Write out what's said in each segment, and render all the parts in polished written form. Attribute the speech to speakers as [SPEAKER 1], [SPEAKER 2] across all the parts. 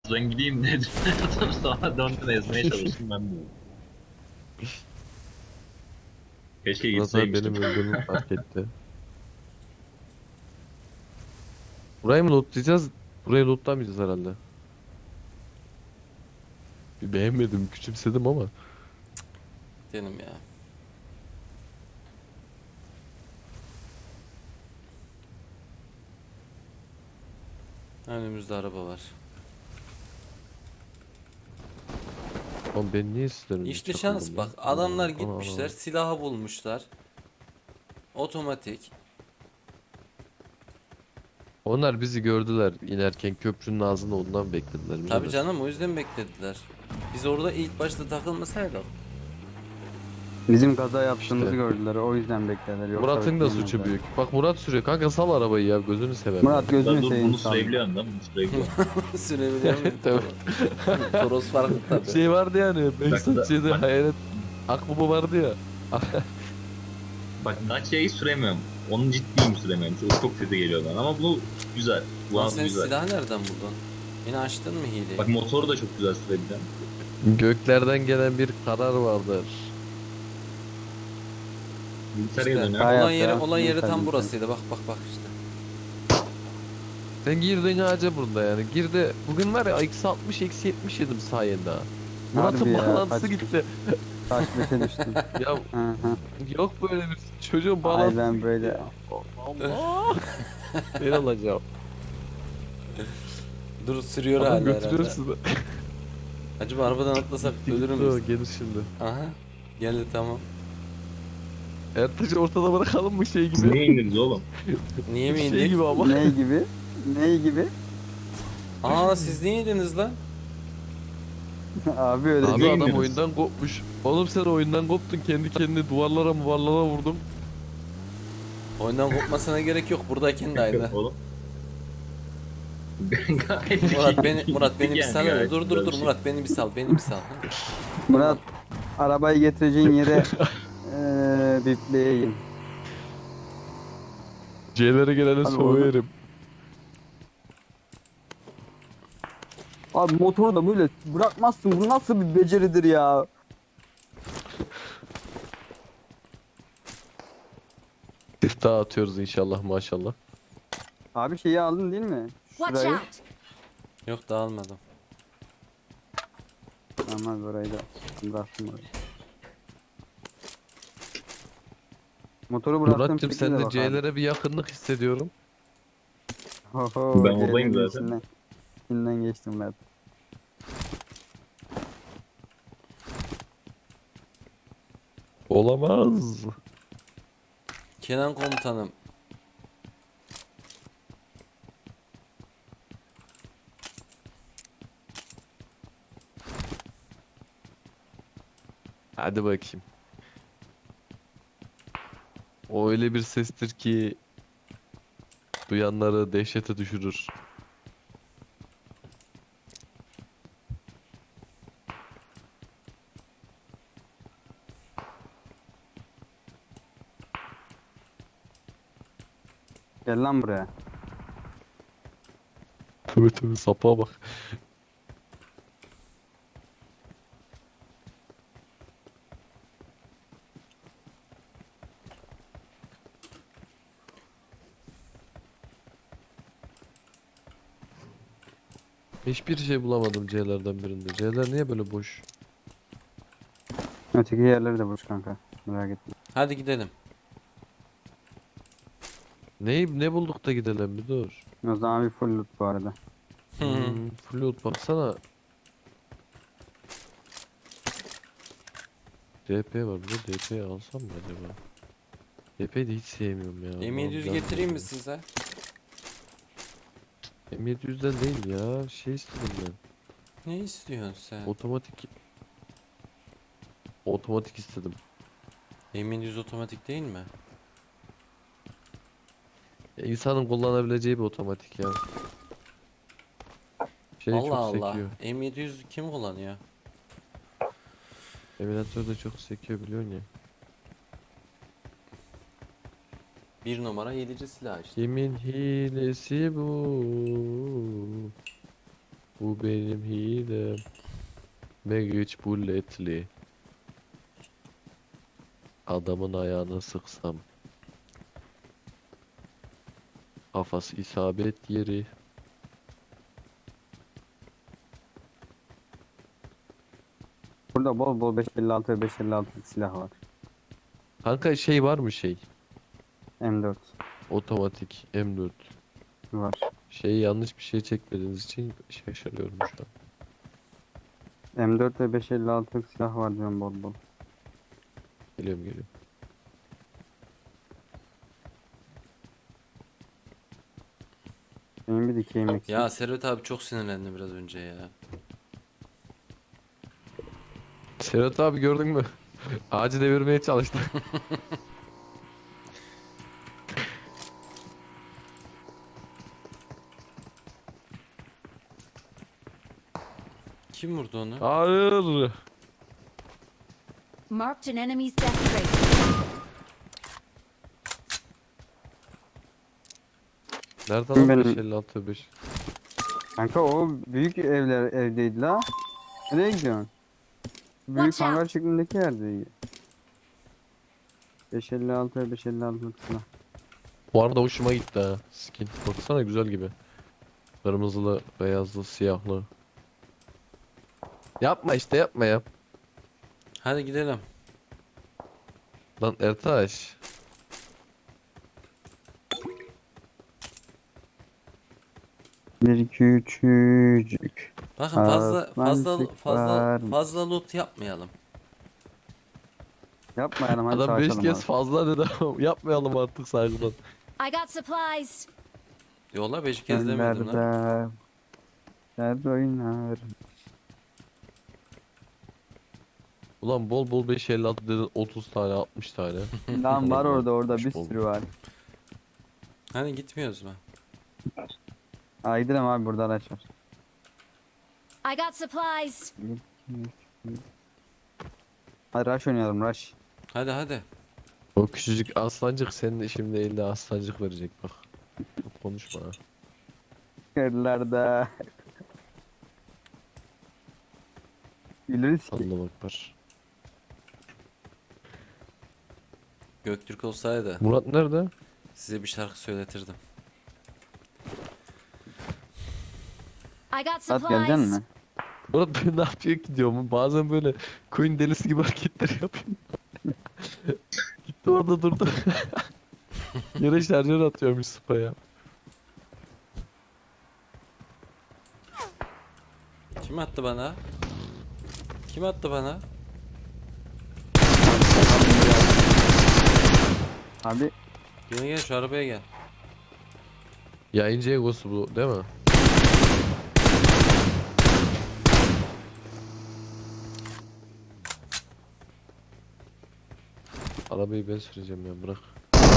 [SPEAKER 1] Ben gideyim dedim. Sonra döndüm ezmeye çalıştım ben de. Keşke
[SPEAKER 2] Murat abi
[SPEAKER 1] gitseymiştim.
[SPEAKER 2] benim öldüğümü fark etti. Burayı mı lootlayacağız? Burayı lootlamayacağız herhalde. Bir beğenmedim, küçümsedim ama.
[SPEAKER 3] Dedim ya. Önümüzde araba var.
[SPEAKER 2] Oğlum ben niye sizlerin
[SPEAKER 3] İşte
[SPEAKER 2] çakıldım
[SPEAKER 3] şans
[SPEAKER 2] ya?
[SPEAKER 3] bak. Adamlar
[SPEAKER 2] Ana, ana,
[SPEAKER 3] gitmişler.
[SPEAKER 2] ana.
[SPEAKER 3] Silahı bulmuşlar. Otomatik.
[SPEAKER 2] Onlar bizi gördüler inerken köprünün ağzında, ondan beklediler.
[SPEAKER 3] Tabii
[SPEAKER 2] Birader.
[SPEAKER 3] canım, o yüzden beklediler. Biz orada ilk başta takılmasaydık.
[SPEAKER 4] Bizim kaza yaptığımızı
[SPEAKER 2] İşte.
[SPEAKER 4] gördüler. O yüzden beklediler. Yoksa
[SPEAKER 2] Murat'ın da suçu
[SPEAKER 4] bekleyemezler.
[SPEAKER 2] büyük. Bak Murat sürüyor. Kanka sal arabayı ya, gözünü seveyim ya.
[SPEAKER 4] Murat
[SPEAKER 1] La
[SPEAKER 4] gözünü
[SPEAKER 1] dur
[SPEAKER 4] seveyim
[SPEAKER 1] bunu
[SPEAKER 4] sağ ol.
[SPEAKER 1] sürebiliyorsun lan bunu sürebiliyorsun.
[SPEAKER 3] Sürebiliyor muyum?
[SPEAKER 2] Tabii.
[SPEAKER 3] Toros farklı tabii.
[SPEAKER 2] Şey vardı yani. Behzat şeyde
[SPEAKER 1] bak,
[SPEAKER 2] hayalet akbaba vardı ya.
[SPEAKER 1] bak Dacia'yı süremiyorum. Onun ciddiyim süremiyorum. Çok kötü geliyor bana ama bu güzel. Bu
[SPEAKER 3] Lan
[SPEAKER 1] an
[SPEAKER 3] sen
[SPEAKER 1] güzel.
[SPEAKER 3] silahı nereden buldun? Yine açtın mı hileyi?
[SPEAKER 1] Bak motoru da çok güzel sürebiliyorum.
[SPEAKER 2] Göklerden gelen bir karar vardır.
[SPEAKER 1] Bilgisayara
[SPEAKER 3] İşte
[SPEAKER 1] dönüyor.
[SPEAKER 4] Hayat
[SPEAKER 3] olan yeri
[SPEAKER 4] ya,
[SPEAKER 3] olan yeri
[SPEAKER 4] bilgisayar,
[SPEAKER 3] tam
[SPEAKER 4] bilgisayar.
[SPEAKER 3] burasıydı. Bak bak bak işte.
[SPEAKER 2] Sen girdin ağaca burada yani. Girdi. Bugün var ya eksi 60 eksi 70 yedim sayende ha.
[SPEAKER 4] Harbi
[SPEAKER 2] Murat'ın
[SPEAKER 4] ya,
[SPEAKER 2] bağlantısı
[SPEAKER 4] kaç-
[SPEAKER 2] gitti.
[SPEAKER 4] Taş beşe düştüm.
[SPEAKER 2] Ya
[SPEAKER 4] Hı hı.
[SPEAKER 2] yok böyle bir çocuğun
[SPEAKER 4] Ay
[SPEAKER 2] bağlantısı
[SPEAKER 4] ben
[SPEAKER 2] gitti
[SPEAKER 4] böyle.
[SPEAKER 2] ya. Allah. Ben alacağım.
[SPEAKER 3] Dur, sürüyor
[SPEAKER 2] Adam
[SPEAKER 3] hala
[SPEAKER 2] götürüyor
[SPEAKER 3] herhalde.
[SPEAKER 2] sizi.
[SPEAKER 3] Acaba arabadan atlasak
[SPEAKER 2] Gitti
[SPEAKER 3] ölür
[SPEAKER 2] gitti o,
[SPEAKER 3] müyüz?
[SPEAKER 2] gelir şimdi.
[SPEAKER 3] Aha. Geldi tamam.
[SPEAKER 2] Ertaş'ı ortada bırakalım mı şey gibi?
[SPEAKER 1] Niye indiniz oğlum?
[SPEAKER 3] Niye mi
[SPEAKER 2] Şey
[SPEAKER 3] indik?
[SPEAKER 2] gibi ama.
[SPEAKER 4] Ney gibi? Ney gibi?
[SPEAKER 3] Aa, siz niye indiniz lan?
[SPEAKER 4] Abi öyle
[SPEAKER 2] Abi
[SPEAKER 1] Niye
[SPEAKER 4] değil.
[SPEAKER 2] adam
[SPEAKER 1] indiniz?
[SPEAKER 2] oyundan kopmuş. Oğlum sen oyundan koptun, kendi kendine duvarlara vurdum.
[SPEAKER 3] Oyundan kopmasına gerek yok. Buradayken de aynı.
[SPEAKER 1] Oğlum. Gayet
[SPEAKER 3] Murat beni bir
[SPEAKER 1] yani,
[SPEAKER 3] sal hele.
[SPEAKER 1] gayet
[SPEAKER 3] Dur
[SPEAKER 1] güzel
[SPEAKER 3] dur
[SPEAKER 1] bir
[SPEAKER 3] dur
[SPEAKER 1] şey.
[SPEAKER 3] Murat, beni bir sal, beni bir sal.
[SPEAKER 4] Murat arabayı getireceğin yere bipleyeyim.
[SPEAKER 2] C'lere gelene
[SPEAKER 4] Abi orada.
[SPEAKER 2] soğuyerim.
[SPEAKER 4] Abi motoru da böyle bırakmazsın. Bu nasıl bir beceridir ya?
[SPEAKER 2] Siftah atıyoruz inşallah maşallah.
[SPEAKER 4] Abi şeyi aldın değil mi?
[SPEAKER 5] Watch
[SPEAKER 4] Şurayı.
[SPEAKER 5] out!
[SPEAKER 3] Yok, dağılmadım.
[SPEAKER 4] Ama burayı da bıraktım oraya. Motoru bıraktım.
[SPEAKER 2] Murat'cığım
[SPEAKER 4] şekilde
[SPEAKER 2] sen de
[SPEAKER 4] bak abi.
[SPEAKER 2] C'lere bir yakınlık hissediyorum.
[SPEAKER 4] Oho,
[SPEAKER 1] Ben oradayım
[SPEAKER 4] C'lerin
[SPEAKER 1] zaten.
[SPEAKER 4] içinden geçtim ben.
[SPEAKER 2] Olamaz.
[SPEAKER 3] Kenan komutanım.
[SPEAKER 2] Hadi bakayım. O öyle bir sestir ki duyanları dehşete düşürür.
[SPEAKER 4] Gel lan buraya.
[SPEAKER 2] Tövbe tövbe, sapa bak. Hiçbir şey bulamadım C'lerden birinde. C'ler niye böyle boş?
[SPEAKER 4] Öteki yerleri de boş kanka. Merak etme.
[SPEAKER 3] Hadi gidelim.
[SPEAKER 2] Ne bulduk da gidelim, bir dur.
[SPEAKER 4] O zaman bir full loot bu arada.
[SPEAKER 2] Float baksana. DP var burada. DP alsam mı acaba? DP'yi de hiç sevmiyorum ya.
[SPEAKER 3] M700
[SPEAKER 2] Allah'ım,
[SPEAKER 3] getireyim mi
[SPEAKER 2] ben-
[SPEAKER 3] size?
[SPEAKER 2] M700'den değil ya. Şey istedim ben.
[SPEAKER 3] Ne istiyorsun sen?
[SPEAKER 2] Otomatik istedim.
[SPEAKER 3] M700 otomatik değil mi?
[SPEAKER 2] İnsanın kullanabileceği bir otomatik ya. Şey
[SPEAKER 3] Allah
[SPEAKER 2] çok
[SPEAKER 3] Allah.
[SPEAKER 2] sekiyor.
[SPEAKER 3] M700 kim kullanıyor?
[SPEAKER 2] Emülatörde çok sekiyor, biliyorsun ya.
[SPEAKER 3] Bir numara yedici silah işte.
[SPEAKER 2] Kimin hilesi bu? Bu benim hilem. Magic bulletli. Adamın ayağını sıksam. Kafası isabet yeri.
[SPEAKER 4] Burada bol bol 556 ve 556 silah var.
[SPEAKER 2] Kanka şey var mı şey?
[SPEAKER 4] M4
[SPEAKER 2] Otomatik M4.
[SPEAKER 4] var.
[SPEAKER 2] Şey yanlış bir şey çekmediğiniz için şaşırıyorum şu an.
[SPEAKER 4] M4 ve 556 silah var diyorum bol bol.
[SPEAKER 2] Geliyorum.
[SPEAKER 4] Benim bir dikeyim eksik.
[SPEAKER 3] Ya Servet abi çok sinirlendi biraz önce ya.
[SPEAKER 2] Serhat abi gördün mü? Ağacı devirmeye çalıştı.
[SPEAKER 3] Kim vurdu onu?
[SPEAKER 2] Hayır.
[SPEAKER 5] Marked an enemy's death rate.
[SPEAKER 2] Nerede lan
[SPEAKER 4] Benim-
[SPEAKER 2] 556 5?
[SPEAKER 4] Kanka o büyük evdeydi la. Nereye gidiyorsun? Büyük
[SPEAKER 5] Watch out.
[SPEAKER 4] hangar şeklindeki yerdeydi. 556 ve 556 silah.
[SPEAKER 2] Bu arada hoşuma gitti ha. Skin. Baksana güzel gibi. Kırmızılı, beyazlı, siyahlı. Yapma işte yapma ya.
[SPEAKER 3] Hadi gidelim.
[SPEAKER 2] Lan Ertaş.
[SPEAKER 4] Bir küçücük.
[SPEAKER 3] Bakın
[SPEAKER 4] Atlantik var.
[SPEAKER 3] fazla loot yapmayalım.
[SPEAKER 4] Yapmayalım hadi
[SPEAKER 2] Adam 5
[SPEAKER 4] savaşalım
[SPEAKER 2] kez
[SPEAKER 4] abi.
[SPEAKER 2] fazla dedi ama yapmayalım artık saygıdan.
[SPEAKER 5] I got supplies.
[SPEAKER 3] Yola 5 kez demedim lan.
[SPEAKER 4] Göllerde dert oynar.
[SPEAKER 2] Ulan bol bol 556 dedin 30 tane 60 tane.
[SPEAKER 4] Lan var orada bir
[SPEAKER 2] Olmuş.
[SPEAKER 4] sürü var.
[SPEAKER 3] Hani gitmiyoruz mu?
[SPEAKER 4] Aa gidelim abi burada araç var.
[SPEAKER 5] I got supplies.
[SPEAKER 4] Hadi rush oynayalım rush.
[SPEAKER 3] Hadi.
[SPEAKER 2] O küçücük aslancık senin de şimdi elde aslancık verecek bak. Çok konuşma ha.
[SPEAKER 4] Yerlerde. Güleriz ki.
[SPEAKER 2] Allah akbar.
[SPEAKER 3] Göktürk olsaydı
[SPEAKER 2] Murat nerede?
[SPEAKER 3] size bir şarkı söyletirdim.
[SPEAKER 5] I got
[SPEAKER 4] Saat geleceksin
[SPEAKER 5] supplies.
[SPEAKER 4] mi?
[SPEAKER 2] Murat ben ne yapıyor ki diyorum. Bazen böyle coin delisi gibi hareketler yapıyorum. Gitti orada durdu. Yere şarjör atıyormuş spaya.
[SPEAKER 3] Kim attı bana? Kim attı bana?
[SPEAKER 4] Abi
[SPEAKER 3] Gel şu arabaya gel.
[SPEAKER 2] Yayıncı egosu bu değil mi? Arabayı ben süreceğim ya bırak.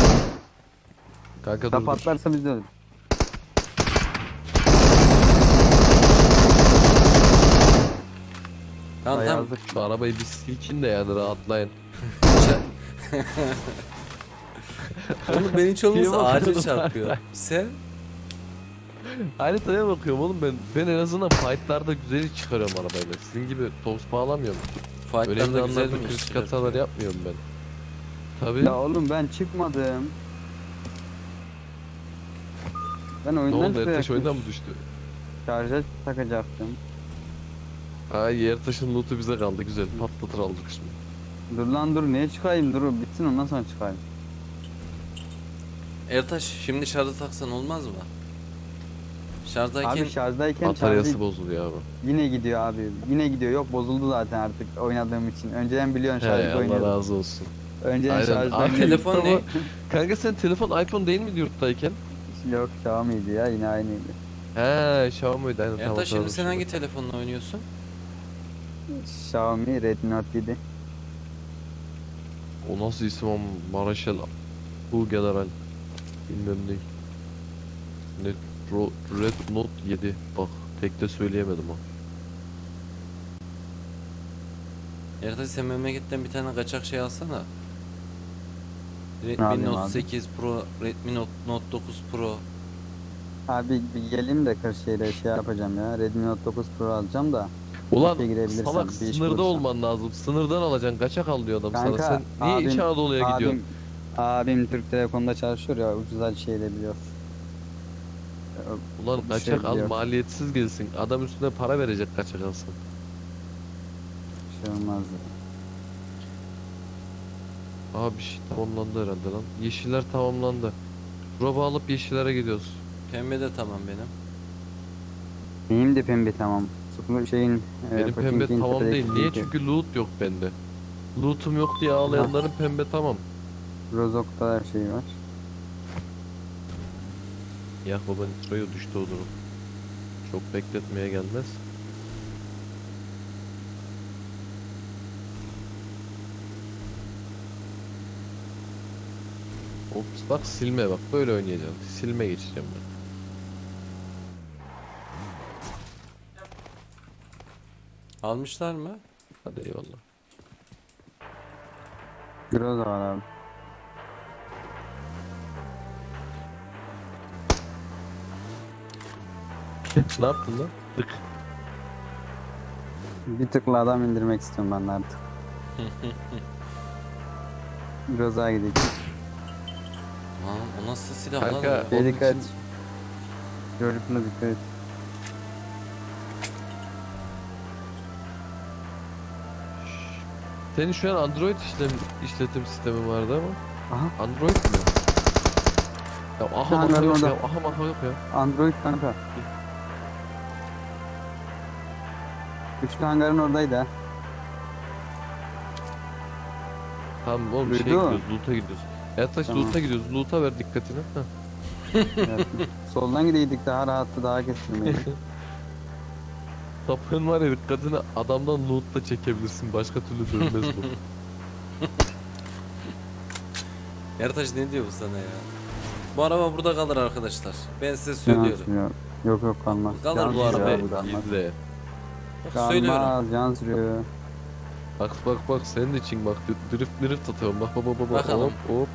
[SPEAKER 2] Kanka
[SPEAKER 4] da
[SPEAKER 2] dur.
[SPEAKER 4] patlarsa biz de ölürüz.
[SPEAKER 3] Tamam.
[SPEAKER 4] Yazık.
[SPEAKER 2] Şu arabayı bir silkin de yani rahatlayın.
[SPEAKER 3] Oğlum ben hiç olmazsa
[SPEAKER 2] Niye
[SPEAKER 3] ağaca
[SPEAKER 2] bakıyorsun?
[SPEAKER 3] çarpıyor. Sen?
[SPEAKER 2] Haritaya bakıyorum oğlum ben en azından fightlarda güzel çıkarıyorum arabayla. Sizin gibi toz bağlamıyorum. Öyle
[SPEAKER 3] Fight'larda güzel
[SPEAKER 2] anlarda
[SPEAKER 3] mi
[SPEAKER 2] kritik
[SPEAKER 3] işler?
[SPEAKER 2] hatalar yapmıyorum ben. Tabii.
[SPEAKER 4] Ya oğlum ben çıkmadım. Ben
[SPEAKER 2] Ne
[SPEAKER 4] oyundan
[SPEAKER 2] oldu Ertaş
[SPEAKER 4] çıkacaktım.
[SPEAKER 2] oyundan mı düştü?
[SPEAKER 4] Şarja takacaktım.
[SPEAKER 2] Ay Ertaş'ın loot'u bize kaldı güzel patlatır aldık şimdi.
[SPEAKER 4] Dur lan dur niye çıkayım dur bitsin ondan sonra çıkayım.
[SPEAKER 3] Ertaş şimdi şarjı taksan olmaz mı? Şarjdayken
[SPEAKER 4] Abi şarjdayken
[SPEAKER 2] Bataryası
[SPEAKER 4] şarjı
[SPEAKER 2] bozuluyor abi.
[SPEAKER 4] yine gidiyor abi. Yine gidiyor. Yok bozuldu zaten artık oynadığım için. Önceden biliyorsun
[SPEAKER 2] He
[SPEAKER 4] şarjda
[SPEAKER 2] Allah
[SPEAKER 4] oynuyordum.
[SPEAKER 2] razı olsun.
[SPEAKER 4] Önceden
[SPEAKER 2] Aynen.
[SPEAKER 4] şarjda
[SPEAKER 2] Abi,
[SPEAKER 4] oynuyordum.
[SPEAKER 3] telefon ne?
[SPEAKER 2] Kanka sen telefon iPhone değil miydi yurttayken?
[SPEAKER 4] Yok Xiaomi'ydi ya yine aynıydı.
[SPEAKER 2] He Xiaomi'ydi aynen tamam.
[SPEAKER 3] Ertaş şimdi
[SPEAKER 2] hatırladım
[SPEAKER 3] sen hangi telefonla oynuyorsun?
[SPEAKER 4] Xiaomi Redmi Note 7.
[SPEAKER 2] O nasıl isim ama Maraşel Bu General bilmem ne. Red Note 7 bak tek de söyleyemedim ha.
[SPEAKER 3] Ertaş sen memleketten bir tane kaçak şey alsana.
[SPEAKER 4] Ne
[SPEAKER 3] Redmi
[SPEAKER 4] yapayım
[SPEAKER 3] Note
[SPEAKER 4] abi?
[SPEAKER 3] 8 Pro, Redmi Note 9 Pro.
[SPEAKER 4] Abi bir geleyim de Kırşehir'e şey yapacağım ya. Redmi Note 9 Pro alacağım da.
[SPEAKER 2] Ulan
[SPEAKER 4] İşe girebilirsem,
[SPEAKER 2] salak
[SPEAKER 4] bir iş
[SPEAKER 2] sınırda
[SPEAKER 4] bulursam.
[SPEAKER 2] olman lazım. Sınırdan alacaksın. Kaçak al diyor adam sana.
[SPEAKER 4] Kanka,
[SPEAKER 2] Sen niye İç Anadolu'ya gidiyorsun?
[SPEAKER 4] Abim Türk Telekom'da çalışıyor ya, ucuza şey de biliyor.
[SPEAKER 2] Ulan
[SPEAKER 4] bir
[SPEAKER 2] kaçak
[SPEAKER 4] şey
[SPEAKER 2] al,
[SPEAKER 4] biliyor.
[SPEAKER 2] maliyetsiz gelsin. Adam üstüne para verecek kaçak alsın.
[SPEAKER 4] Bir şey olmaz.
[SPEAKER 2] Aha bir şey tamamlandı herhalde lan. Yeşiller tamamlandı. Drop'u alıp yeşillere gidiyoruz.
[SPEAKER 3] Pembe de tamam benim.
[SPEAKER 4] Benim de pembe tamam. Sıkıntı şeyin
[SPEAKER 2] Benim pembe
[SPEAKER 4] Pochinki'nin
[SPEAKER 2] tamam
[SPEAKER 4] tepedeki
[SPEAKER 2] değil. Niye?
[SPEAKER 4] linki.
[SPEAKER 2] Çünkü loot yok bende. Loot'um yok diye ağlayanların pembe tamam.
[SPEAKER 4] Rozok'ta her şey var.
[SPEAKER 2] Ya baba nitroyu düştü o durum. Çok bekletmeye gelmez. Ops bak silme bak böyle oynayacağım. Silme geçeceğim ben.
[SPEAKER 3] Almışlar mı?
[SPEAKER 2] Hadi eyvallah.
[SPEAKER 4] Groza var abi.
[SPEAKER 2] Ne yaptın lan? Tık.
[SPEAKER 4] Bir tıkla adam indirmek istiyorum ben de artık. Groza'ya gidelim.
[SPEAKER 3] Lan o nasıl silah
[SPEAKER 2] Kanka,
[SPEAKER 3] lan?
[SPEAKER 2] Onun
[SPEAKER 4] Dikkat.
[SPEAKER 2] için-
[SPEAKER 4] Görüntüne dikkat et.
[SPEAKER 2] Senin şu an Android işletim sistemin vardı ama.
[SPEAKER 4] Aha,
[SPEAKER 2] Android mi? Ya aha
[SPEAKER 4] Hangar
[SPEAKER 2] maka yok
[SPEAKER 4] orada.
[SPEAKER 2] ya. Aha maka yok ya.
[SPEAKER 4] Android kanka. Üçlü hangarın oradaydı ha.
[SPEAKER 2] Tamam oğlum şey
[SPEAKER 4] Duydu mu?
[SPEAKER 2] gidiyoruz. Loot'a gidiyoruz. Ertaş
[SPEAKER 4] Tamam.
[SPEAKER 2] loot'a gidiyoruz. Loot'a ver dikkatini. Heh.
[SPEAKER 4] Evet. Soldan gideydik daha rahattı, daha kestirmeydi.
[SPEAKER 2] Sapığın var ya dikkatini adamdan loot'ta çekebilirsin. Başka türlü dönmez bu.
[SPEAKER 3] Ertaş ne diyor bu sana ya? Bu araba burada kalır arkadaşlar. Ben size söylüyorum.
[SPEAKER 4] Yok yok, yok kalmaz.
[SPEAKER 3] Kalır
[SPEAKER 4] Can
[SPEAKER 3] bu
[SPEAKER 4] sürüyor
[SPEAKER 3] araba.
[SPEAKER 4] abi, kalmaz.
[SPEAKER 2] İzle.
[SPEAKER 3] Bak, söylüyorum.
[SPEAKER 4] Kalmaz, can sürüyor.
[SPEAKER 2] Bak senin için bak drift atıyorum. Bak bak.
[SPEAKER 3] Bakalım.
[SPEAKER 2] Hop.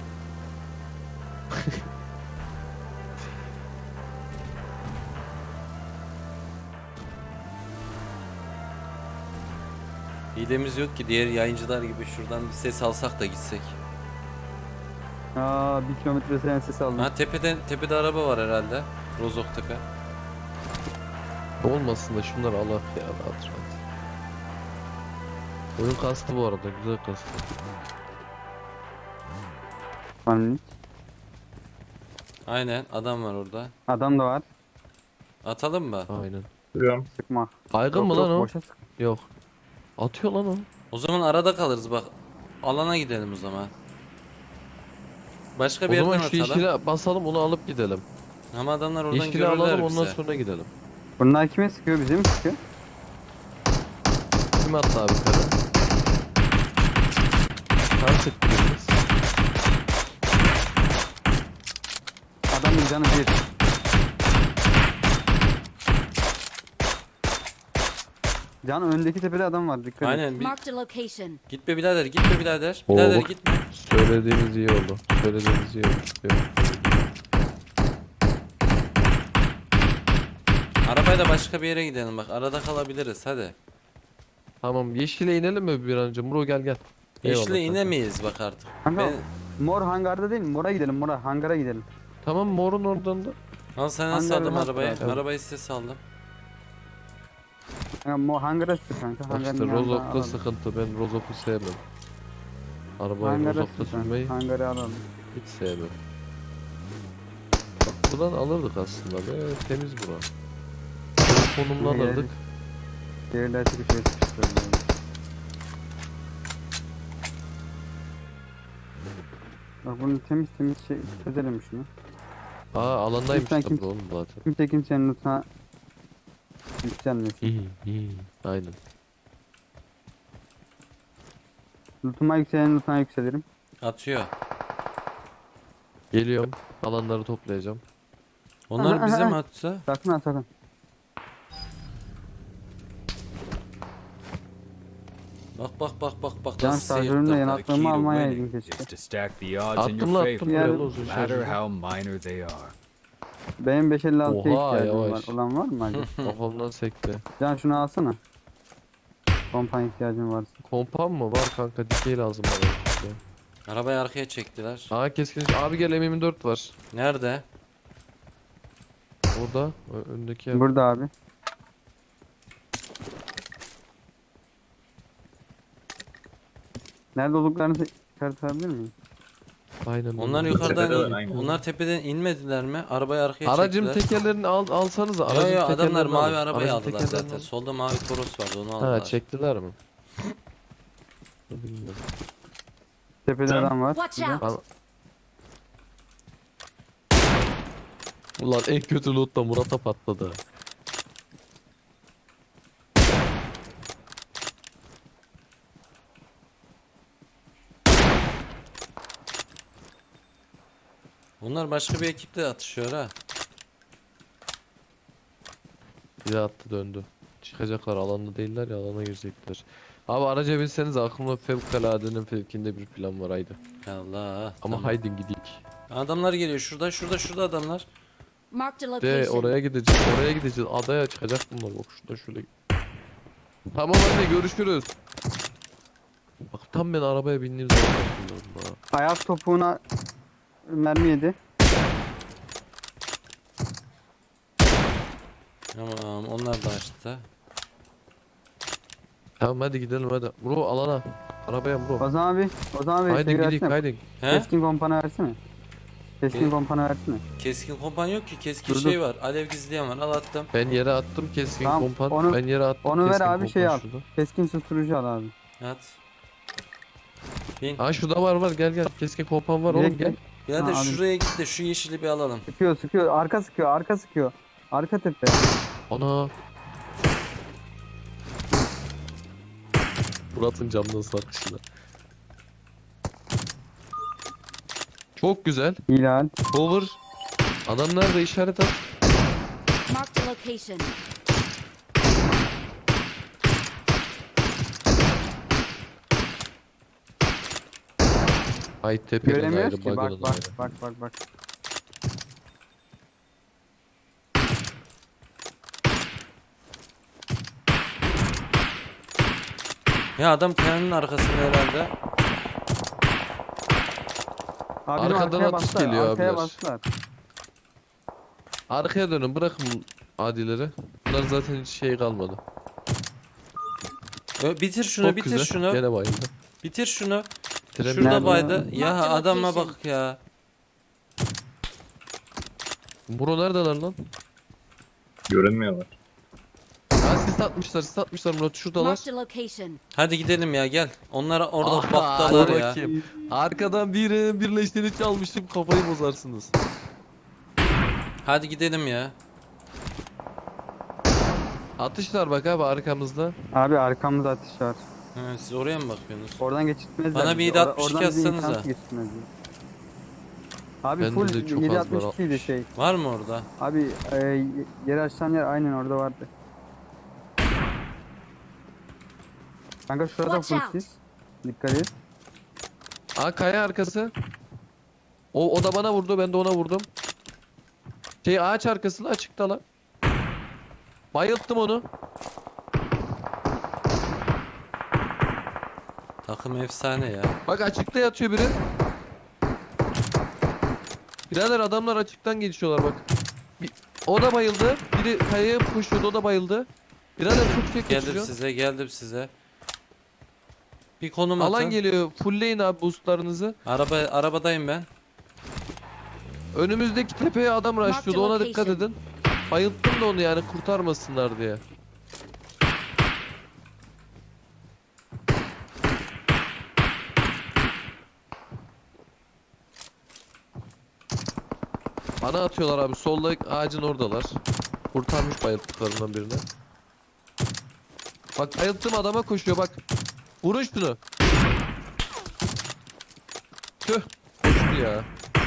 [SPEAKER 3] Hilemiz yok ki diğer yayıncılar gibi şuradan bir ses alsak da gitsek.
[SPEAKER 4] Aa, 1 kilometre sen ses aldım.
[SPEAKER 3] Ha tepede araba var herhalde. Rozok tepe.
[SPEAKER 2] Olmasın da şunları alak ya rahat rahat. Oyun kastı bu arada güzel kastı.
[SPEAKER 4] Hani
[SPEAKER 3] Aynen adam var orada.
[SPEAKER 4] adam da var.
[SPEAKER 3] Atalım mı?
[SPEAKER 2] Aynen.
[SPEAKER 1] Duruyorum.
[SPEAKER 4] Sıkma.
[SPEAKER 2] Baygın
[SPEAKER 4] Yok,
[SPEAKER 2] mı lan
[SPEAKER 4] yok,
[SPEAKER 2] o?
[SPEAKER 4] boşa sık.
[SPEAKER 2] Yok. Atıyor lan o.
[SPEAKER 3] O zaman arada kalırız bak. Alana gidelim o zaman. Başka
[SPEAKER 2] O
[SPEAKER 3] bir
[SPEAKER 2] zaman
[SPEAKER 3] yerden
[SPEAKER 2] şu
[SPEAKER 3] atalım.
[SPEAKER 2] yeşile basalım onu alıp gidelim.
[SPEAKER 3] Ama adamlar oradan
[SPEAKER 2] Yeşili
[SPEAKER 3] görürler
[SPEAKER 2] alalım
[SPEAKER 3] bize.
[SPEAKER 2] ondan sonra gidelim.
[SPEAKER 4] Bunlar kime sıkıyor, bize mi sıkıyor?
[SPEAKER 2] Kim attı abi yukarı? Tam sıktınız.
[SPEAKER 4] Adamın canı bir. Can öndeki tepede adam var, dikkat et.
[SPEAKER 3] Aynen.
[SPEAKER 5] Marked a location.
[SPEAKER 3] Gitme birader, gitme birader.
[SPEAKER 2] Oo,
[SPEAKER 3] Birader
[SPEAKER 2] bak.
[SPEAKER 3] gitme.
[SPEAKER 2] Söylediğiniz iyi oldu. Söylediğiniz iyi oldu. Evet.
[SPEAKER 3] Arabayla başka bir yere gidelim bak. Arada kalabiliriz hadi.
[SPEAKER 2] Tamam yeşile inelim mi bir an önce? Muro gel gel. Eyvallah
[SPEAKER 3] Yeşile
[SPEAKER 2] kanka.
[SPEAKER 3] inemeyiz bak artık.
[SPEAKER 4] Kanka,
[SPEAKER 3] Ben...
[SPEAKER 4] mor hangarda değil mi? Mora gidelim, mora. Hangara gidelim.
[SPEAKER 2] Tamam morun oradan da.
[SPEAKER 3] Al sen nasıl
[SPEAKER 4] Hangarda
[SPEAKER 3] aldım
[SPEAKER 4] nasıl
[SPEAKER 3] arabayı?
[SPEAKER 4] rahat?
[SPEAKER 3] Arabayı size saldım.
[SPEAKER 4] Kanka, hangara sık kanka.
[SPEAKER 2] Bak
[SPEAKER 4] Hangarın
[SPEAKER 2] işte
[SPEAKER 4] yanına
[SPEAKER 2] Rozok'ta
[SPEAKER 4] alalım.
[SPEAKER 2] sıkıntı. Ben Rozok'u sevmem. Arabayı
[SPEAKER 4] Hangara
[SPEAKER 2] Rozok'ta
[SPEAKER 4] sık kanka.
[SPEAKER 2] sürmeyi
[SPEAKER 4] Hangarı alalım.
[SPEAKER 2] hiç sevmem. Bak buradan alırdık aslında be. Temiz bura. Konumunu
[SPEAKER 4] Buraya
[SPEAKER 2] alırdık.
[SPEAKER 4] Şehirler çıkışıyor sıkıştırıyor. Bak bunu temiz şey çözelim şunu.
[SPEAKER 2] Aa alandaymış
[SPEAKER 4] Lütfen
[SPEAKER 2] tabii
[SPEAKER 4] kim-
[SPEAKER 2] oğlum zaten.
[SPEAKER 4] Kimse kimsenin lütfen yükselmesin.
[SPEAKER 2] Aynen.
[SPEAKER 4] Lütfuma yükselen lütfen yükselirim.
[SPEAKER 3] Atıyor.
[SPEAKER 2] Geliyorum. Alanları toplayacağım.
[SPEAKER 3] Onlar bize mi atsa?
[SPEAKER 4] Sakın ha sakın.
[SPEAKER 3] Bak
[SPEAKER 4] Can
[SPEAKER 3] nasıl
[SPEAKER 4] şarjörümle
[SPEAKER 3] sıyırttı.
[SPEAKER 4] yanaklarımı almaya keşke.
[SPEAKER 6] is to stack the odds in
[SPEAKER 2] Attım
[SPEAKER 6] your
[SPEAKER 2] lan attım
[SPEAKER 6] favor,
[SPEAKER 2] buraya
[SPEAKER 4] Yeah.
[SPEAKER 2] da uzun
[SPEAKER 6] no matter
[SPEAKER 2] şarjı.
[SPEAKER 6] how minor they are.
[SPEAKER 4] Benim 556'ya
[SPEAKER 2] Oha,
[SPEAKER 4] ihtiyacım
[SPEAKER 2] yavaş.
[SPEAKER 4] var. Olan var mı acaba?
[SPEAKER 2] Kafamdan sekti.
[SPEAKER 4] Can şunu alsana. Kompan ihtiyacın varsa.
[SPEAKER 2] Kompan mı? Var kanka, dikey lazım bana. işte.
[SPEAKER 3] Arabayı arkaya çektiler.
[SPEAKER 2] Aa keskin. Abi gel, M24 var.
[SPEAKER 3] Nerede?
[SPEAKER 2] Orada. Öndeki yer.
[SPEAKER 4] Burada abi. Nerede olduklarını çıkartabilir miyim?
[SPEAKER 2] Aynen.
[SPEAKER 3] Onlar
[SPEAKER 2] öyle.
[SPEAKER 3] yukarıdan
[SPEAKER 1] Tepedeler, aynen.
[SPEAKER 3] onlar tepeden inmediler mi? Arabayı arkaya
[SPEAKER 2] Aracın
[SPEAKER 3] çektiler.
[SPEAKER 2] tekerlerini alsanız.
[SPEAKER 3] Yo
[SPEAKER 2] Aracın
[SPEAKER 3] yo adamlar
[SPEAKER 2] tekerlerini
[SPEAKER 3] mavi
[SPEAKER 2] alın.
[SPEAKER 3] arabayı
[SPEAKER 2] Aracın
[SPEAKER 3] aldılar
[SPEAKER 2] tekerlerini
[SPEAKER 3] zaten.
[SPEAKER 2] alın.
[SPEAKER 3] Solda mavi Toros vardı onu aldılar.
[SPEAKER 2] Ha, çektiler mi? Bilmiyorum.
[SPEAKER 4] Tepede
[SPEAKER 1] Can.
[SPEAKER 4] adam var.
[SPEAKER 5] Watch
[SPEAKER 4] Burada.
[SPEAKER 5] out!
[SPEAKER 2] Al- Ulan en kötü loot da Murat'a patladı.
[SPEAKER 3] Bunlar başka bir ekiple atışıyor ha.
[SPEAKER 2] Bir de attı döndü. Çıkacaklar, alanda değiller ya, alana girecekler. Abi araca binseniz, aklımda fevkaladenin fevkinde bir plan var, haydi.
[SPEAKER 3] Allah.
[SPEAKER 2] Ama
[SPEAKER 3] Tamam.
[SPEAKER 2] haydi gidik.
[SPEAKER 3] Adamlar geliyor şurada adamlar.
[SPEAKER 5] Marked a
[SPEAKER 2] De
[SPEAKER 5] location.
[SPEAKER 2] oraya gideceğiz. Adaya çıkacak bunlar, bak şurada şöyle. Tamam anne, görüşürüz. Bak tam ben arabaya bindiğim zaman bakıyorum ha.
[SPEAKER 4] Ayak topuğuna mermi yedi.
[SPEAKER 3] Tamam onlar da açtı.
[SPEAKER 2] Tamam hadi gidelim hadi. Bro alana. Arabaya bro.
[SPEAKER 4] Ozan abi. Ozan abi.
[SPEAKER 2] Haydi
[SPEAKER 4] şeyi
[SPEAKER 2] gidik
[SPEAKER 4] versene.
[SPEAKER 2] haydi.
[SPEAKER 3] He?
[SPEAKER 4] Keskin kompana versene. Keskin
[SPEAKER 3] Ge-
[SPEAKER 4] kompana versene.
[SPEAKER 3] Keskin kompan yok ki. Keskin
[SPEAKER 4] Dur,
[SPEAKER 3] şey
[SPEAKER 4] dur.
[SPEAKER 3] var. Alev gizleyen var. Al attım.
[SPEAKER 2] Ben yere attım keskin
[SPEAKER 4] Tamam,
[SPEAKER 2] kompan.
[SPEAKER 4] onu-
[SPEAKER 2] Ben yere attım
[SPEAKER 4] onu ver
[SPEAKER 2] keskin
[SPEAKER 4] abi, şey
[SPEAKER 2] kompan
[SPEAKER 4] al.
[SPEAKER 2] şurada.
[SPEAKER 4] Keskin susturucu al abi.
[SPEAKER 3] At. Bin.
[SPEAKER 2] Aa şurada var gel keskin kompan var oğlum
[SPEAKER 4] Direkt
[SPEAKER 2] gel.
[SPEAKER 3] Ya da
[SPEAKER 4] Ha, abi.
[SPEAKER 3] şuraya git de şu yeşili bir alalım.
[SPEAKER 4] Sıkıyor. Arka sıkıyor. Arka tepe.
[SPEAKER 2] Ana. Murat'ın camdan sarkışına. Çok güzel.
[SPEAKER 4] Hilal.
[SPEAKER 2] Cover. Adam nerede, işaret at.
[SPEAKER 5] Marked a location.
[SPEAKER 2] Ay tepeden
[SPEAKER 4] Göremiyoruz
[SPEAKER 2] ayrı,
[SPEAKER 4] ki.
[SPEAKER 2] bug'dan
[SPEAKER 4] Bak
[SPEAKER 2] ayrı.
[SPEAKER 4] bak.
[SPEAKER 3] Ya adam kayanın arkasında herhalde.
[SPEAKER 4] Abi bizim
[SPEAKER 2] Arkadan
[SPEAKER 4] arkaya
[SPEAKER 2] atış
[SPEAKER 4] bastılar.
[SPEAKER 2] geliyor
[SPEAKER 4] Arkaya
[SPEAKER 2] abiler.
[SPEAKER 4] bastılar.
[SPEAKER 2] Arkaya dönün, bırakın adileri. Bunlar zaten hiç şey kalmadı.
[SPEAKER 3] Bitir şunu,
[SPEAKER 2] Çok
[SPEAKER 3] bitir
[SPEAKER 2] güzel.
[SPEAKER 3] şunu.
[SPEAKER 2] Gene bayıldı.
[SPEAKER 3] Bitir şunu.
[SPEAKER 2] Bitiremedim.
[SPEAKER 3] Şurada
[SPEAKER 4] Nerede?
[SPEAKER 3] baydı. Ya
[SPEAKER 5] Marked
[SPEAKER 3] adama
[SPEAKER 5] location.
[SPEAKER 3] bak ya.
[SPEAKER 2] Bro neredeler lan?
[SPEAKER 1] Görünmüyorlar.
[SPEAKER 2] Ha sis atmışlar Murat, şuradalar.
[SPEAKER 5] Marked a location.
[SPEAKER 3] Hadi gidelim ya gel. Onlar orada
[SPEAKER 2] Aha,
[SPEAKER 3] baktalar
[SPEAKER 2] hadi
[SPEAKER 3] ya.
[SPEAKER 2] bakayım. Arkadan birleştiğini çalmışım, kafayı bozarsınız.
[SPEAKER 3] Hadi gidelim ya.
[SPEAKER 2] Atışlar bak abi arkamızda.
[SPEAKER 4] Abi arkamızda atış var.
[SPEAKER 3] Ha, siz oraya mı bakıyorsunuz?
[SPEAKER 4] Oradan geçitmezler.
[SPEAKER 3] Bana bir
[SPEAKER 4] bizi.
[SPEAKER 3] 7.62
[SPEAKER 4] Oradan bizi
[SPEAKER 3] atsanıza.
[SPEAKER 4] imkansız geçirtmezler. Abi
[SPEAKER 2] Bende
[SPEAKER 4] full
[SPEAKER 2] de çok az var,
[SPEAKER 4] 7.62 idi şey.
[SPEAKER 3] Var mı orada?
[SPEAKER 4] Abi yeri açan yer aynen orada vardı. Kanka şurada
[SPEAKER 5] Watch
[SPEAKER 4] full
[SPEAKER 5] out.
[SPEAKER 4] sis. Dikkat et.
[SPEAKER 2] Aa kaya arkası. O da bana vurdu, ben de ona vurdum. Şey ağaç arkasında açıkta lan. Bayılttım onu.
[SPEAKER 3] Takım efsane ya.
[SPEAKER 2] Bak açıkta yatıyor biri. Birader adamlar açıktan geçiyorlar bak. O da bayıldı. Biri kayaya koşuyordu, o da bayıldı. Birader çok şey geçiyor.
[SPEAKER 3] Geldim size. Bir konum atın.
[SPEAKER 2] Alan geliyor. Fullleyin abi boostlarınızı.
[SPEAKER 3] Arabadayım ben.
[SPEAKER 2] Önümüzdeki tepeye adam rushlıyordu, ona dikkat
[SPEAKER 5] location.
[SPEAKER 2] edin. Bayılttım da onu yani, kurtarmasınlar diye. Bana atıyorlar abi, solda ağacın oradalar. Kurtarmış bayılttıklarından birini. Bak bayılttım, adama koşuyor bak. Vurun şunu. Tüh. Koştu ya.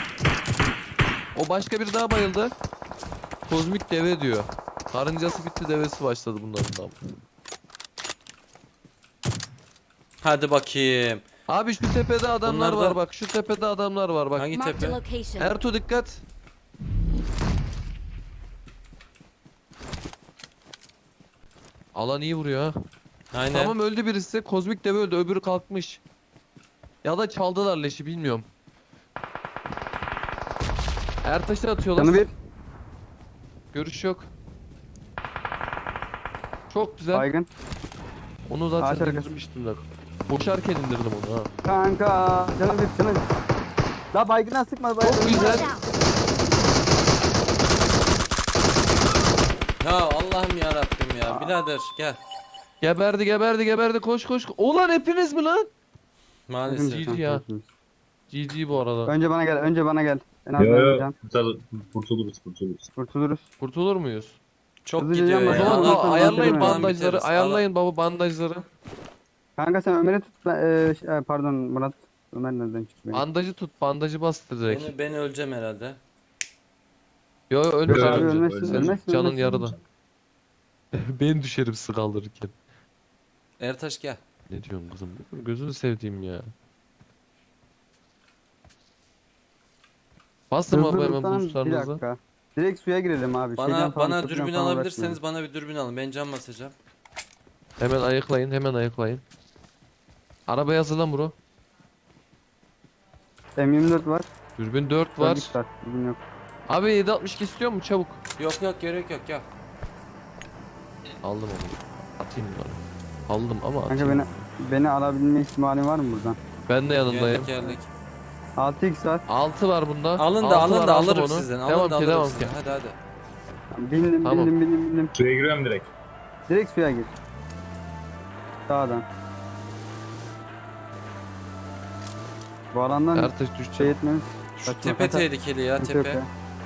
[SPEAKER 2] O başka bir daha bayıldı. Kozmik deve diyor. Karıncası bitti, devesi başladı bunların da.
[SPEAKER 3] Hadi bakayım.
[SPEAKER 2] Abi şu tepede adamlar
[SPEAKER 3] Bunlar da-
[SPEAKER 2] var bak. Şu tepede adamlar var bak.
[SPEAKER 3] Hangi
[SPEAKER 5] Marked a
[SPEAKER 3] tepe?
[SPEAKER 5] location.
[SPEAKER 2] Ertuğ dikkat. Alan iyi vuruyor ha.
[SPEAKER 3] Aynen.
[SPEAKER 2] Tamam öldü birisi. Kozmik dev öldü. Öbürü kalkmış. Ya da çaldılar leşi bilmiyorum. Ertaş'ı atıyorlar.
[SPEAKER 4] Canı bir.
[SPEAKER 2] Görüş yok. Çok güzel.
[SPEAKER 4] Baygın.
[SPEAKER 2] Onu
[SPEAKER 4] Ağaç
[SPEAKER 2] zaten
[SPEAKER 4] arkası.
[SPEAKER 2] indirmiştim de. Koşarken indirdim onu ha.
[SPEAKER 4] Kanka. Canı bir. Canı bir. La baygına sıkma baygın.
[SPEAKER 2] Çok güzel.
[SPEAKER 5] Watch out!
[SPEAKER 3] Ya Allah'ım ya Rabbim ya. Birader gel.
[SPEAKER 2] Geberdi geberdi geberdi koş koş. Ulan hepiniz mi lan?
[SPEAKER 3] Maalesef.
[SPEAKER 2] GG ya. GG bu arada.
[SPEAKER 4] Önce bana gel. Önce bana gel. En az
[SPEAKER 1] Yo yo.
[SPEAKER 4] öleceğim.
[SPEAKER 1] Kurtuluruz.
[SPEAKER 4] Kurtuluruz.
[SPEAKER 2] Kurtulur muyuz?
[SPEAKER 3] Çok
[SPEAKER 4] Hızlıca
[SPEAKER 3] gidiyor
[SPEAKER 4] can
[SPEAKER 2] O
[SPEAKER 3] ya.
[SPEAKER 4] basın,
[SPEAKER 2] zaman
[SPEAKER 4] ondan
[SPEAKER 3] Allah-
[SPEAKER 4] sonra
[SPEAKER 2] ayarlayın
[SPEAKER 4] biteriz.
[SPEAKER 2] bandajları. Ayarlayın baba bandajları.
[SPEAKER 4] Kanka sen Ömer'i tut. Pardon Murat. Ömer nereden çıktı benim?
[SPEAKER 2] Bandajı tut. Bandajı bastır direkt.
[SPEAKER 3] Ben öleceğim herhalde.
[SPEAKER 2] Yo yo ölmüş
[SPEAKER 1] Yo,
[SPEAKER 4] Abi
[SPEAKER 1] yo,
[SPEAKER 2] ölmüş.
[SPEAKER 4] ölmezsin.
[SPEAKER 1] ölmez.
[SPEAKER 4] Ölmezsin.
[SPEAKER 2] Canın
[SPEAKER 4] ölmezsin.
[SPEAKER 2] yarıda. Ben düşerim sıkaldırırken.
[SPEAKER 3] Ertaş gel.
[SPEAKER 2] Ne diyorsun kızım? Gözünü sevdiğim ya. Bastım abi hemen
[SPEAKER 4] Hızlı bir
[SPEAKER 2] boostlarınızı.
[SPEAKER 4] dakika. Direkt suya girelim abi. Şeyden
[SPEAKER 3] Bana
[SPEAKER 4] falan,
[SPEAKER 3] bana
[SPEAKER 4] köprüden
[SPEAKER 3] dürbün
[SPEAKER 4] falan
[SPEAKER 3] alabilirseniz bana bir dürbün alın. Ben cam basacağım.
[SPEAKER 2] Hemen ayıklayın hemen ayıklayın. Arabaya hazırlan bro.
[SPEAKER 4] uğraşmayalım. M24 var.
[SPEAKER 2] Dürbün 4 var.
[SPEAKER 4] Var. Dürbün yok.
[SPEAKER 2] Abi 762 istiyor mu çabuk?
[SPEAKER 3] Yok yok gerek yok ya.
[SPEAKER 2] Aldım onu. Atayım bunları. Aldım ama
[SPEAKER 4] Kanka
[SPEAKER 2] atayım.
[SPEAKER 4] beni alabilme ihtimalin var mı buradan?
[SPEAKER 2] Ben de yanındayım.
[SPEAKER 3] Geldik.
[SPEAKER 4] 6x var.
[SPEAKER 2] 6 var bunda.
[SPEAKER 3] Alın da
[SPEAKER 2] 6
[SPEAKER 3] alın
[SPEAKER 2] var,
[SPEAKER 3] da
[SPEAKER 2] aldım
[SPEAKER 3] alırım
[SPEAKER 2] onu.
[SPEAKER 3] sizden.
[SPEAKER 2] Devam
[SPEAKER 3] Alın da
[SPEAKER 2] ki
[SPEAKER 3] alırım
[SPEAKER 2] devam
[SPEAKER 3] sizden.
[SPEAKER 2] ki.
[SPEAKER 3] Hadi hadi.
[SPEAKER 4] Bindim
[SPEAKER 2] Tamam.
[SPEAKER 4] bindim.
[SPEAKER 1] Suya giriyorum direkt.
[SPEAKER 4] Direkt suya gir. Sağdan. Bu alandan
[SPEAKER 2] Ertaş
[SPEAKER 4] şey
[SPEAKER 2] düşecek.
[SPEAKER 4] etmemiz.
[SPEAKER 3] Şu
[SPEAKER 4] Saçma
[SPEAKER 3] tepe
[SPEAKER 4] sapan.
[SPEAKER 3] tehlikeli ya
[SPEAKER 4] Sıkıntı yok
[SPEAKER 3] tepe.
[SPEAKER 4] ya.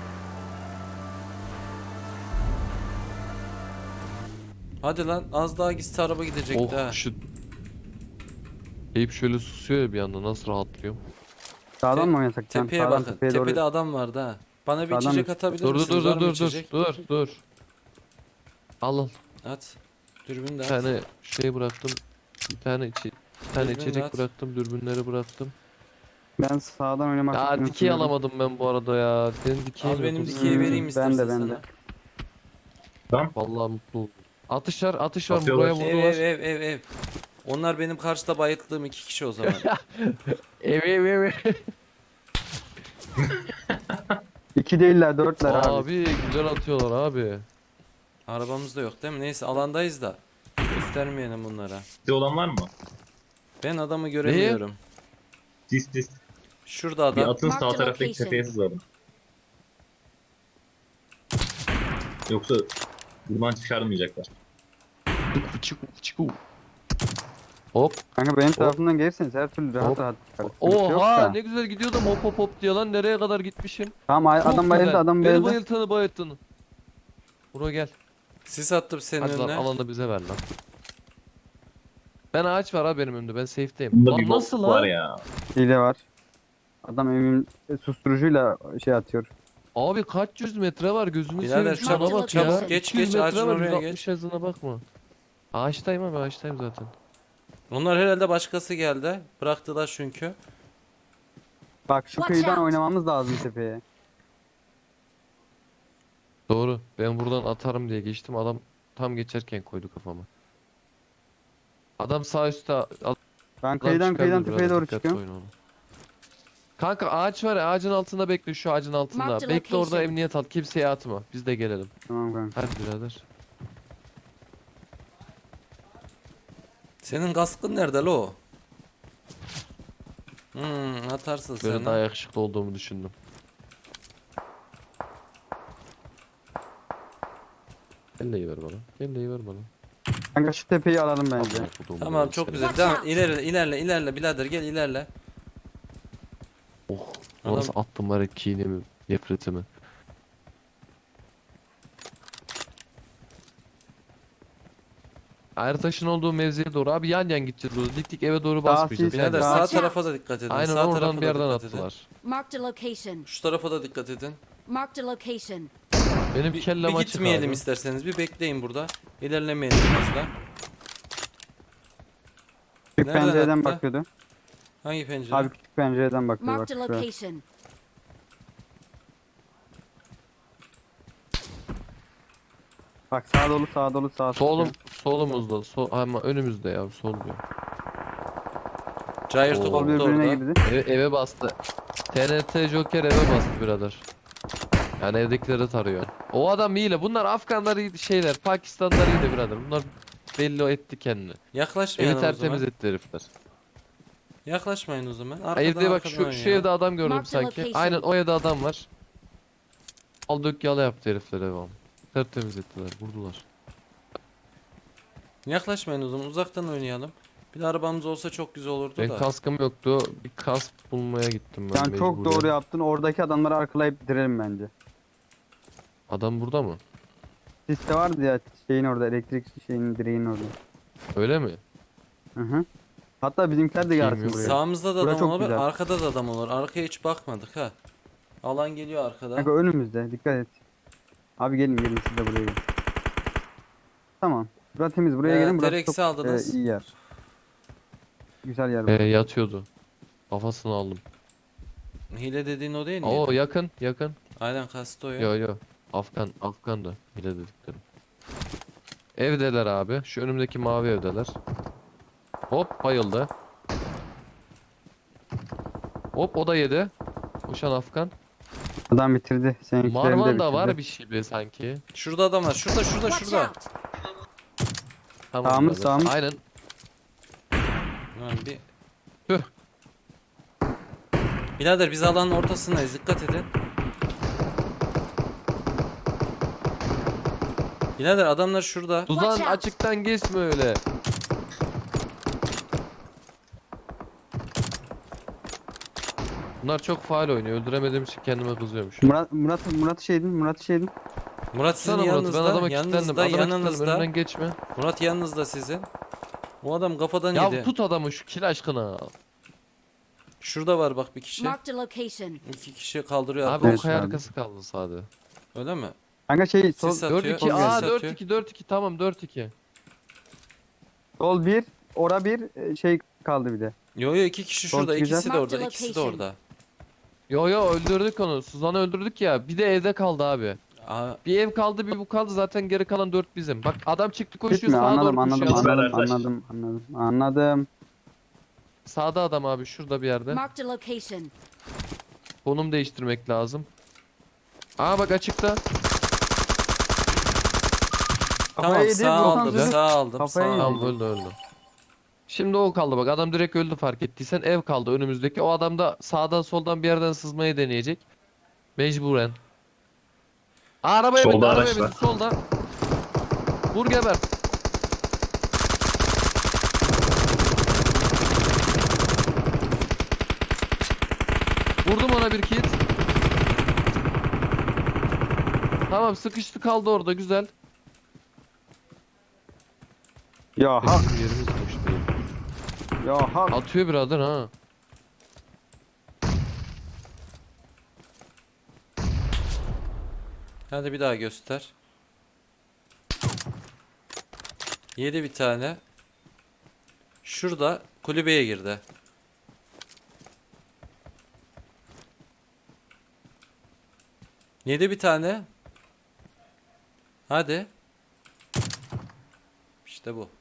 [SPEAKER 3] Hadi lan az daha gitse araba gidecekti ha.
[SPEAKER 2] Oh şu. Eyüp şöyle susuyor ya bir anda nasıl rahatlıyor.
[SPEAKER 4] Sağdan mı oynasak? Can?
[SPEAKER 3] Tepeye
[SPEAKER 4] Sağdan
[SPEAKER 3] bakın.
[SPEAKER 4] tepeye doğru.
[SPEAKER 3] Tepede adam vardı ha. Bana bir
[SPEAKER 4] Sağdan
[SPEAKER 3] içecek
[SPEAKER 4] mı?
[SPEAKER 3] atabilir
[SPEAKER 2] Dur
[SPEAKER 3] misiniz?
[SPEAKER 2] dur
[SPEAKER 3] Var mı
[SPEAKER 2] dur dur
[SPEAKER 3] içecek?
[SPEAKER 2] dur. Al al.
[SPEAKER 3] At. Dürbün de
[SPEAKER 2] Bir
[SPEAKER 3] at.
[SPEAKER 2] tane şey bıraktım. Bir tane
[SPEAKER 3] Dürbün
[SPEAKER 2] içecek
[SPEAKER 3] at.
[SPEAKER 2] bıraktım. Dürbünleri bıraktım.
[SPEAKER 4] Ben sağdan oynamak
[SPEAKER 2] Ya
[SPEAKER 4] istiyorum.
[SPEAKER 2] dikey alamadım ben bu arada ya. Senin dikey
[SPEAKER 3] Al benim
[SPEAKER 2] yok.
[SPEAKER 3] dikeyi vereyim
[SPEAKER 4] Ben
[SPEAKER 3] istersen
[SPEAKER 4] de, ben
[SPEAKER 3] sana.
[SPEAKER 4] de.
[SPEAKER 2] Vallahi mutlu oldum. Atış var atış var.
[SPEAKER 1] Atıyorlar.
[SPEAKER 2] Buraya
[SPEAKER 3] Ev
[SPEAKER 2] vurdular.
[SPEAKER 3] ev. Onlar benim karşıda bayıldığım 2 kişi o zaman.
[SPEAKER 2] Ev.
[SPEAKER 4] 2 değiller 4'ler abi.
[SPEAKER 2] Abi güzel atıyorlar abi.
[SPEAKER 3] Arabamız da yok değil mi? Neyse alandayız da. Göstermeyelim bunlara.
[SPEAKER 1] Sizde olan var mı?
[SPEAKER 3] Ben adamı göremiyorum.
[SPEAKER 1] Dis.
[SPEAKER 3] Şurada
[SPEAKER 1] Bir
[SPEAKER 3] adam.
[SPEAKER 1] atın sağ
[SPEAKER 5] Mark the
[SPEAKER 1] taraftaki
[SPEAKER 5] location.
[SPEAKER 1] tepeye sızalım. Yoksa buradan çıkarmayacaklar.
[SPEAKER 2] Çıku. Hop.
[SPEAKER 4] Kanka benim tarafımdan gelirseniz her türlü rahat
[SPEAKER 2] Hop.
[SPEAKER 4] rahat çıkarız. Sıkıntı yok
[SPEAKER 2] Oha
[SPEAKER 4] da.
[SPEAKER 2] ne güzel gidiyordum hop diye lan nereye kadar gitmişim.
[SPEAKER 4] Tamam
[SPEAKER 2] Çok
[SPEAKER 4] adam bayıldı
[SPEAKER 2] güzel.
[SPEAKER 4] adam
[SPEAKER 2] Beni
[SPEAKER 4] bayıldı.
[SPEAKER 2] bayılttın. Bro gel.
[SPEAKER 3] Sis attım senin
[SPEAKER 2] Hadi lan
[SPEAKER 3] önüne.
[SPEAKER 2] alanı bize ver lan. Ben ağaç var abi benim önümde ben safe'deyim.
[SPEAKER 1] Bunda
[SPEAKER 2] Lan
[SPEAKER 1] bir
[SPEAKER 2] nasıl
[SPEAKER 1] bok
[SPEAKER 2] lan?
[SPEAKER 1] var ya.
[SPEAKER 4] Hile var. Adam evin susturucuyla şey atıyor.
[SPEAKER 2] Abi kaç yüz metre var gözünü
[SPEAKER 3] Birader
[SPEAKER 2] seveyim şuna
[SPEAKER 5] çabuk,
[SPEAKER 2] bak
[SPEAKER 5] çabuk.
[SPEAKER 2] ya.
[SPEAKER 3] Geç,
[SPEAKER 2] 200
[SPEAKER 3] geç,
[SPEAKER 2] metre
[SPEAKER 3] ağacın
[SPEAKER 2] var,
[SPEAKER 3] oraya
[SPEAKER 2] 160 hızına bakma. Ağaçtayım abi ağaçtayım zaten.
[SPEAKER 3] Onlar herhalde başkası geldi. Bıraktılar çünkü.
[SPEAKER 4] Bak şu
[SPEAKER 5] Watch
[SPEAKER 4] kıyıdan
[SPEAKER 5] out.
[SPEAKER 4] oynamamız lazım tepeye.
[SPEAKER 2] Doğru ben buradan atarım diye geçtim adam tam geçerken koydu kafama. Adam sağ üstte
[SPEAKER 4] Ben kıyıdan tepeye doğru çıkıyorum.
[SPEAKER 2] Kanka ağaç var ya ağacın altında bekle şu ağacın altında.
[SPEAKER 5] Mark the
[SPEAKER 2] Bekle orada
[SPEAKER 5] location.
[SPEAKER 2] emniyet al kimseye atma biz de gelelim.
[SPEAKER 4] Tamam kanka.
[SPEAKER 2] Hadi birader.
[SPEAKER 3] Senin kaskın nerede lo? Atarsın
[SPEAKER 2] Böyle
[SPEAKER 3] sen.
[SPEAKER 2] daha
[SPEAKER 3] ha.
[SPEAKER 2] yakışıklı olduğumu düşündüm. Kelleyi ver bana. Kelleyi ver bana.
[SPEAKER 4] Kanka şu tepeyi alalım bence.
[SPEAKER 2] Amına koduğumun
[SPEAKER 3] Tamam
[SPEAKER 2] oğlu
[SPEAKER 3] çok
[SPEAKER 2] seni.
[SPEAKER 3] güzel.
[SPEAKER 5] Watch
[SPEAKER 3] Devam.
[SPEAKER 5] out.
[SPEAKER 3] İlerle birader gel ilerle.
[SPEAKER 2] Oh.
[SPEAKER 3] Adam-
[SPEAKER 2] Nasıl attım var ya kinemi, nefretimi. Ertaş'ın olduğu mevziye doğru abi yan yan gideceğiz burada. Dik eve doğru basmayacağız.
[SPEAKER 4] sis,
[SPEAKER 2] Yan
[SPEAKER 3] Birader
[SPEAKER 2] yan.
[SPEAKER 3] sağ
[SPEAKER 5] Watch out.
[SPEAKER 3] tarafa da dikkat edin.
[SPEAKER 2] Aynen
[SPEAKER 3] Sağ
[SPEAKER 2] oradan
[SPEAKER 3] tarafa
[SPEAKER 2] bir
[SPEAKER 3] da
[SPEAKER 2] yerden
[SPEAKER 3] dikkat edin.
[SPEAKER 2] attılar.
[SPEAKER 5] Marked a location.
[SPEAKER 3] Şu tarafa da dikkat edin.
[SPEAKER 5] Marked a location.
[SPEAKER 2] Benim
[SPEAKER 3] Bir,
[SPEAKER 2] kellem
[SPEAKER 3] bir
[SPEAKER 2] açık
[SPEAKER 3] gitmeyelim
[SPEAKER 2] abi.
[SPEAKER 3] isterseniz. Bir bekleyin burada. İlerlemeyelim fazla.
[SPEAKER 4] Küçük
[SPEAKER 3] Nereden
[SPEAKER 4] pencereden
[SPEAKER 3] attı?
[SPEAKER 4] bakıyordu.
[SPEAKER 3] Hangi pencere?
[SPEAKER 4] Abi küçük pencereden bakıyor bak.
[SPEAKER 5] Marked a
[SPEAKER 4] şuraya.
[SPEAKER 5] location.
[SPEAKER 4] Bak sağa dolu sağa dolu sağa.
[SPEAKER 2] Solum, solumuzda. Ama önümüzde ya, sol diyor.
[SPEAKER 3] Cayır
[SPEAKER 2] Oo.
[SPEAKER 4] Sol
[SPEAKER 3] top da
[SPEAKER 4] birbirine
[SPEAKER 3] orada.
[SPEAKER 4] girdi.
[SPEAKER 2] Eve bastı. TNT Joker eve bastı birader. Yani evdekileri tarıyor. O adam iyi. Bunlar Afganlar iyi şeyler. Pakistanlılar iyi de birader. Bunlar belli etti kendini. Evi
[SPEAKER 3] Yaklaşmayalım o
[SPEAKER 2] tertemiz
[SPEAKER 3] zaman.
[SPEAKER 2] etti herifler.
[SPEAKER 3] Yaklaşmayın o zaman.
[SPEAKER 2] Ha, evde bak
[SPEAKER 3] arkadan
[SPEAKER 2] şu
[SPEAKER 3] oynayalım.
[SPEAKER 2] evde adam gördüm
[SPEAKER 5] Mark the
[SPEAKER 2] sanki.
[SPEAKER 5] location.
[SPEAKER 2] Aynen o evde adam var. Al dök yala yaptı herifler evi ama. Tertemiz ettiler. Vurdular.
[SPEAKER 3] Yaklaşmayın o zaman. Uzaktan oynayalım. Bir de arabamız olsa çok güzel olurdu
[SPEAKER 2] Ben
[SPEAKER 3] da.
[SPEAKER 2] kaskım yoktu. Bir kask bulmaya gittim ben
[SPEAKER 4] Sen çok
[SPEAKER 2] mecburen.
[SPEAKER 4] doğru yaptın. Oradaki adamları arkalayıp bitirelim bence.
[SPEAKER 2] Adam burada mı?
[SPEAKER 4] Siste vardı ya şeyin orada, elektrik şeyinin direğinin orada.
[SPEAKER 2] Öyle mi?
[SPEAKER 4] Hı hı. Hatta bizimkiler de
[SPEAKER 2] Bakayım
[SPEAKER 4] gelsin
[SPEAKER 2] yok.
[SPEAKER 4] buraya.
[SPEAKER 3] Sağımızda da
[SPEAKER 4] Bura
[SPEAKER 3] adam
[SPEAKER 4] çok
[SPEAKER 3] olabilir.
[SPEAKER 4] güzel.
[SPEAKER 3] Arkada da adam olur. Arkaya hiç bakmadık ha. Alan geliyor arkada.
[SPEAKER 4] Kanka önümüzde, dikkat et. Abi gelin siz de buraya gelin. Tamam. Burası temiz, buraya gelin. Burası
[SPEAKER 3] Tereksi
[SPEAKER 4] çok
[SPEAKER 3] aldınız.
[SPEAKER 4] iyi yer. Güzel yer. burası.
[SPEAKER 2] Yatıyordu. Kafasını aldım.
[SPEAKER 3] Hile dediğin o değil
[SPEAKER 2] Oo
[SPEAKER 3] miydi?
[SPEAKER 2] yakın yakın.
[SPEAKER 3] Aynen kastı o ya.
[SPEAKER 2] Yo. Afgan da bile dediklerim. Evdeler abi. Şu önümdeki mavi evdeler. Hop bayıldı. Hop o da yedi. Uçan Afgan.
[SPEAKER 4] Adam bitirdi. Seninkileri de
[SPEAKER 2] Marvan
[SPEAKER 4] bitirdi.
[SPEAKER 2] da var bir şey bile sanki.
[SPEAKER 3] Şurada adam var. Şurada
[SPEAKER 5] Watch
[SPEAKER 3] şurada.
[SPEAKER 5] out!
[SPEAKER 2] Tamam
[SPEAKER 4] Sağımız,
[SPEAKER 2] birader.
[SPEAKER 4] sağımız.
[SPEAKER 2] Aynen.
[SPEAKER 3] Lan bir...
[SPEAKER 2] Tüh.
[SPEAKER 3] Birader biz alanın ortasındayız. Dikkat edin. Birader adamlar şurada.
[SPEAKER 2] Tuzan
[SPEAKER 5] Watch out.
[SPEAKER 2] açıktan geçme öyle. Bunlar çok faal oynuyor. Öldüremediğim için kendime kızıyormuş.
[SPEAKER 4] Murat'ı şeydin.
[SPEAKER 3] Murat sizin
[SPEAKER 2] Sana Murat, ben
[SPEAKER 3] yanınızda.
[SPEAKER 2] adama kilitlendim.
[SPEAKER 3] Yanınızda,
[SPEAKER 2] Adama kilitlendim.
[SPEAKER 3] yanınızda.
[SPEAKER 2] Önünden geçme.
[SPEAKER 3] Murat yanınızda sizin. O adam kafadan
[SPEAKER 2] Ya
[SPEAKER 3] yedi.
[SPEAKER 2] tut adamı şu kil aşkına.
[SPEAKER 3] Şurada var bak bir kişi.
[SPEAKER 5] Marked a location.
[SPEAKER 3] 2 kişi kaldırıyor
[SPEAKER 2] Abi
[SPEAKER 3] arkadaş.
[SPEAKER 2] o kaya
[SPEAKER 4] abi.
[SPEAKER 2] arkası kaldı sadece.
[SPEAKER 3] Öyle mi?
[SPEAKER 4] Kanka şey sol,
[SPEAKER 3] Sis atıyor.
[SPEAKER 2] 4-2.
[SPEAKER 3] Sis
[SPEAKER 2] Aa
[SPEAKER 3] atıyor.
[SPEAKER 2] 4-2 tamam 4-2.
[SPEAKER 4] sol bir, ora bir şey kaldı bir de.
[SPEAKER 3] Yo 2 kişi
[SPEAKER 4] Son
[SPEAKER 3] şurada.
[SPEAKER 4] güzel.
[SPEAKER 3] İkisi de orada.
[SPEAKER 5] Marked
[SPEAKER 3] İkisi de
[SPEAKER 5] location.
[SPEAKER 3] orada.
[SPEAKER 2] Yo öldürdük onu. Suzan'ı öldürdük ya. Bir de evde kaldı abi.
[SPEAKER 3] Aa,
[SPEAKER 2] Bir ev kaldı bir bu kaldı zaten geri kalan 4 bizim. Bak adam çıktı koşuyor
[SPEAKER 4] Gitme,
[SPEAKER 2] sağa doğru
[SPEAKER 4] anladım
[SPEAKER 2] koşuyor.
[SPEAKER 4] anladım.
[SPEAKER 2] Sağda adam abi şurada bir yerde.
[SPEAKER 5] Marked a location.
[SPEAKER 2] Konum değiştirmek lazım. Aa bak açıkta.
[SPEAKER 3] tamam
[SPEAKER 4] Kafaya yedi,
[SPEAKER 3] sağ
[SPEAKER 4] Volkan
[SPEAKER 3] aldım.
[SPEAKER 4] sözü.
[SPEAKER 3] Sağ aldım.
[SPEAKER 4] Kafaya
[SPEAKER 3] Sağ
[SPEAKER 4] yedi.
[SPEAKER 3] aldım.
[SPEAKER 2] Tamam öldü. Şimdi o kaldı bak adam direkt öldü fark ettiysen ev kaldı önümüzdeki. O adam da sağdan soldan bir yerden sızmayı deneyecek. Mecburen. Aa, arabaya
[SPEAKER 1] Solda
[SPEAKER 2] bindi
[SPEAKER 1] araç
[SPEAKER 2] arabaya bindi
[SPEAKER 1] var.
[SPEAKER 2] solda. Vur geber. Vurdum ona bir kit. Tamam sıkıştı kaldı orada güzel.
[SPEAKER 4] Ya hak,
[SPEAKER 2] Bizim yerimiz boş değil.
[SPEAKER 4] ya hak.
[SPEAKER 2] Atıyor birader ha.
[SPEAKER 3] Hadi bir daha göster. Yedi bir tane. Şurada kulübeye girdi. Yedi bir tane. Hadi. İşte bu.